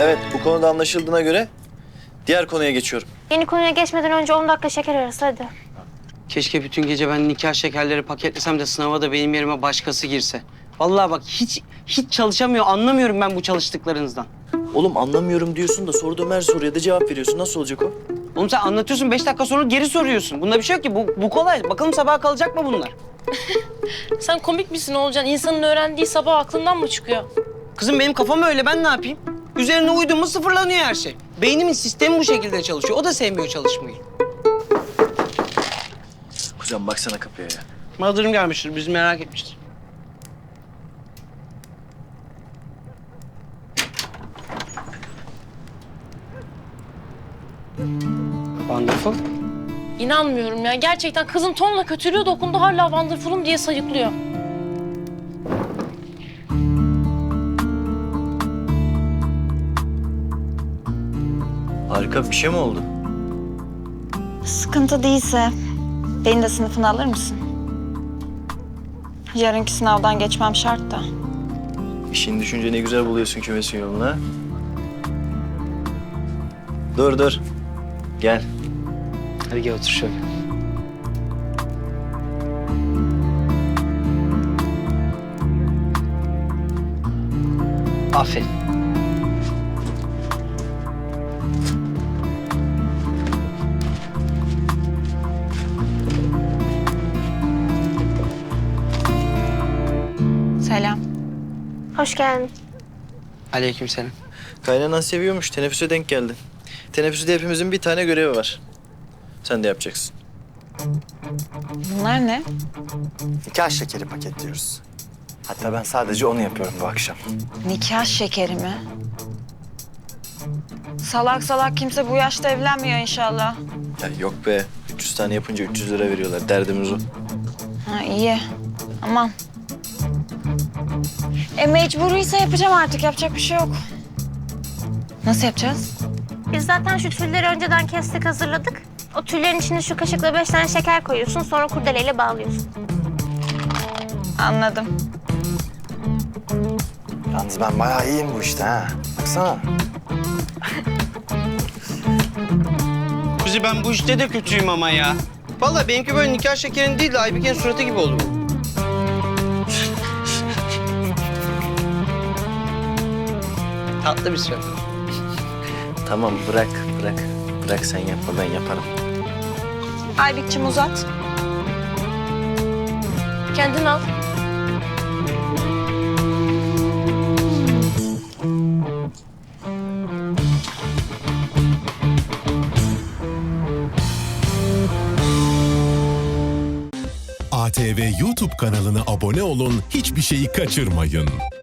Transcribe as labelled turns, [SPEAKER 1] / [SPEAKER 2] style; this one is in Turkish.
[SPEAKER 1] Evet, bu konuda anlaşıldığına göre diğer konuya geçiyorum.
[SPEAKER 2] Yeni konuya geçmeden önce 10 dakika şeker arası hadi.
[SPEAKER 3] Keşke bütün gece ben nikah şekerleri paketlesem de sınava da benim yerime başkası girse. Vallahi bak hiç çalışamıyor, anlamıyorum ben bu çalıştıklarınızdan.
[SPEAKER 1] Oğlum anlamıyorum diyorsun da sorduğum her soruya da cevap veriyorsun. Nasıl olacak o?
[SPEAKER 3] Oğlum sen anlatıyorsun, 5 dakika sonra geri soruyorsun. Bunda bir şey yok ki, bu kolay. Bakalım sabaha kalacak mı bunlar?
[SPEAKER 4] Sen komik misin Olcan? İnsanın öğrendiği sabah aklından mı çıkıyor?
[SPEAKER 3] Kızım benim kafam öyle, ben ne yapayım? Üzerine uydum mu sıfırlanıyor her şey. Beynimin sistemi bu şekilde çalışıyor. O da sevmiyor çalışmayı.
[SPEAKER 1] Kuzen baksana kapıya ya.
[SPEAKER 3] Mağdurum gelmiştir, bizi merak etmiştir. Wonderful.
[SPEAKER 4] İnanmıyorum ya. Gerçekten kızın tonla kötülüğü dokundu. Hala Wonderful'um diye sayıklıyor.
[SPEAKER 1] Harika bir şey mi oldu?
[SPEAKER 5] Sıkıntı değilse beni de sınıfına alır mısın? Yarınki sınavdan geçmem şart da.
[SPEAKER 1] İşin düşünce ne güzel buluyorsun kümesin yolunu ha. Dur. Gel.
[SPEAKER 3] Hadi gel otur şöyle. Aferin.
[SPEAKER 5] Selam.
[SPEAKER 2] Hoş geldin.
[SPEAKER 3] Aleykümselam.
[SPEAKER 1] Kaynanan seviyormuş. Teneffüse denk geldin. Teneffüste hepimizin bir tane görevi var. Sen de yapacaksın.
[SPEAKER 5] Bunlar ne?
[SPEAKER 6] Nikah şekeri paketliyoruz. Hatta ben sadece onu yapıyorum bu akşam.
[SPEAKER 5] Nikah şekeri mi? Salak salak kimse bu yaşta evlenmiyor inşallah.
[SPEAKER 1] Ya yok be. 300 tane yapınca 300 lira veriyorlar. Derdimiz o.
[SPEAKER 5] Ha iyi. Aman. Mecburiyse yapacağım artık. Yapacak bir şey yok. Nasıl yapacağız?
[SPEAKER 2] Biz zaten şu tülleri önceden kestik, hazırladık. O tüllerin içine şu kaşıkla 5 tane şeker koyuyorsun. Sonra kurdeleyle bağlıyorsun.
[SPEAKER 5] Anladım.
[SPEAKER 6] Yalnız ben bayağı iyiyim bu işte ha. Baksana.
[SPEAKER 3] Kuzi ben bu işte de kötüyüm ama ya. Vallahi benimki böyle nikah şekerin değil de Aybike'nin suratı gibi oldu bu. Tatlı bir surat.
[SPEAKER 1] Tamam bırak. Bırak sen yapma, ben yaparım.
[SPEAKER 5] Aybik'cim uzat.
[SPEAKER 4] Kendin al.
[SPEAKER 7] ATV YouTube kanalına abone olun, hiçbir şeyi kaçırmayın.